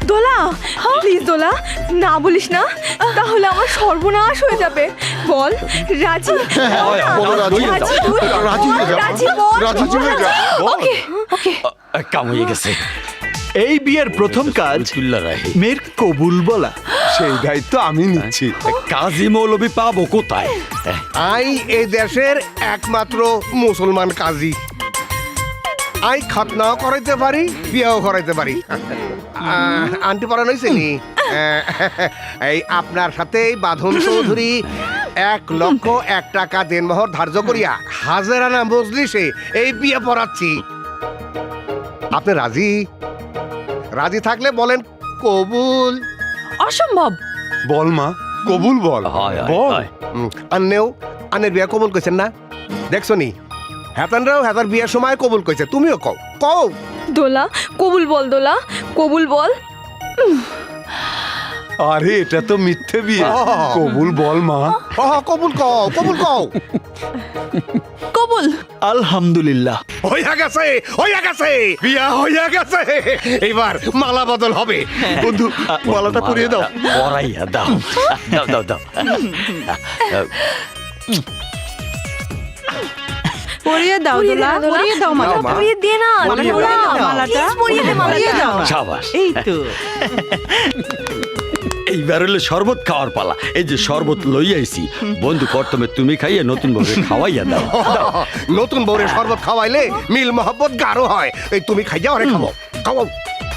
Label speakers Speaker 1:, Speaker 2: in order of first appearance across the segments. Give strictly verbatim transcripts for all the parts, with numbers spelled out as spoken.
Speaker 1: দোলা please দোলা না বলিস না, তাহলে আমার সর্বনাশ হয়ে যাবে। বল রাজি,
Speaker 2: বলো রাজি।
Speaker 1: রাজি তুই?
Speaker 2: রাজি হয়ে যা।
Speaker 1: রাজি বল।
Speaker 2: রাজি হয়ে যা।
Speaker 1: ওকে ওকে।
Speaker 3: কাম হয়ে গেছে।
Speaker 4: এই বিয়ের প্রথম কাজ
Speaker 3: তুল্লা রায়
Speaker 4: মেয়ের কবুল বলা।
Speaker 2: সেই দায়িত্ব আমি নিচ্ছি।
Speaker 3: কাজী মৌলবী পাবো কোথায়?
Speaker 5: আই এই দেশের একমাত্র মুসলমান কাজী। আই খতনাও করাইতে পারি, বিয়াও করাইতে পারি। আহ, আন্টি পড়ানো হয়েছে নি? আহ, এই আপনার সাথে বাঁধন চৌধুরী এক লক্ষ এক টাকা দেনমোহর ধার্য করিয়া হাজারানা মজলিসে এই বিয়ে পড়াচ্ছি। আপনি রাজি? রাজি থাকলে বলেন কবুল।
Speaker 1: অসম্ভব।
Speaker 2: বল মা, কবুল বল।
Speaker 3: হয়, হয়,
Speaker 2: বল।
Speaker 3: হয়।
Speaker 5: উম, আন্নেও আন্নের বিয়ে কবুল কইছেন না? দেখছো নি হেতানরাও হেতার বিয়ের সময় কবুল কইছে, তুমিও কও কও।
Speaker 1: দোলা কবুল বল, দোলা কবুল বল।
Speaker 2: আরে এটা তো মিথ্যে বিয়ে। কবুল বল মা।
Speaker 5: হ হ, কবুল কও, কবুল কও।
Speaker 1: কবুল।
Speaker 4: আলহামদুলিল্লাহ।
Speaker 5: হইয়া গেছে, হইয়া গেছে, বিয়া হইয়া গেছে। এইবার মালা বদল হবে। বন্ধু মালাটা পরিয়ে দাও।
Speaker 3: পরাইয়া দাও দাও দাও দাও।
Speaker 6: পরিয়ে দাও দোলা, পরিয়ে দাও মালা।
Speaker 5: মা।
Speaker 1: পরিয়ে দে না
Speaker 6: পরিয়ে
Speaker 1: দোলা,
Speaker 6: দাও মালাটা।
Speaker 1: please পরিয়ে দে
Speaker 6: পরিয়ে
Speaker 1: মালাটা।
Speaker 6: দাও।
Speaker 3: সাবাস।
Speaker 6: এই তো
Speaker 3: এইবার হলো শরবত খাওয়ার পালা। এই যে শরবত লই আইছি, বন্ধু প্রথমে তুমি খাইয়ে নতুন ভাবে খাওয়াইয়া দাও।
Speaker 5: নতুন বউরে শরবত খাওয়াইলে মিল মহব্বত গাঢ় হয়। এই তুমি খাইয়া অনেক খাবো, খাও।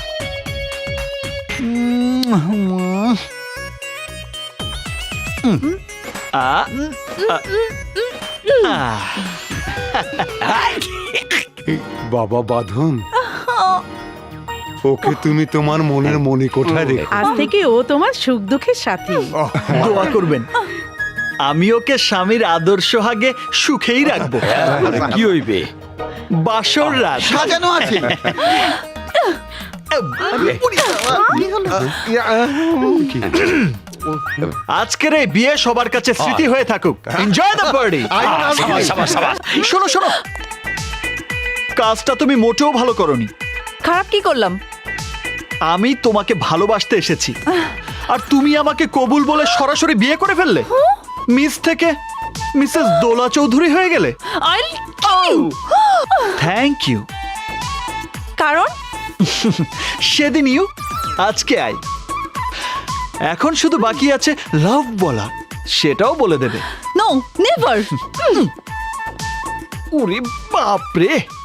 Speaker 2: বাবা বাঁধন, ওকে তুমি তোমার মনের মনি কোঠায় রেখো।
Speaker 6: আজ থেকে ও তোমার সুখ দুঃখের সাথী।
Speaker 4: দোয়া করবেন আমি ওকে স্বামীর আদর্শ হাগে সুখেই রাখবো।
Speaker 3: কি হইবে?
Speaker 4: বাসর রাত
Speaker 7: সাজানো আছে।
Speaker 5: ইয়া,
Speaker 4: আজকের এই বিয়ে সবার কাছে স্মৃতি হয়ে থাকুক। Enjoy the party.
Speaker 3: সাবাস সাবাস সাবাস।
Speaker 4: শোনো শোনো, কাজটা তুমি মোটেও ভালো করনি।
Speaker 1: খারাপ কি করলাম?
Speaker 4: আমি তোমাকে ভালোবাসতে এসেছি, আর তুমি আমাকে কবুল বলে সরাসরি বিয়ে করে ফেললে। মিস থেকে মিসেস দোলা চৌধুরী হয়ে গেলে।
Speaker 1: I'll kill you.
Speaker 4: Thank you.
Speaker 1: কারণ
Speaker 4: সেদিন ইউ, আজকে আই। এখন শুধু বাকি আছে লাভ বলা, সেটাও বলে দেবে।
Speaker 1: No never.
Speaker 4: ওরে বাপরে।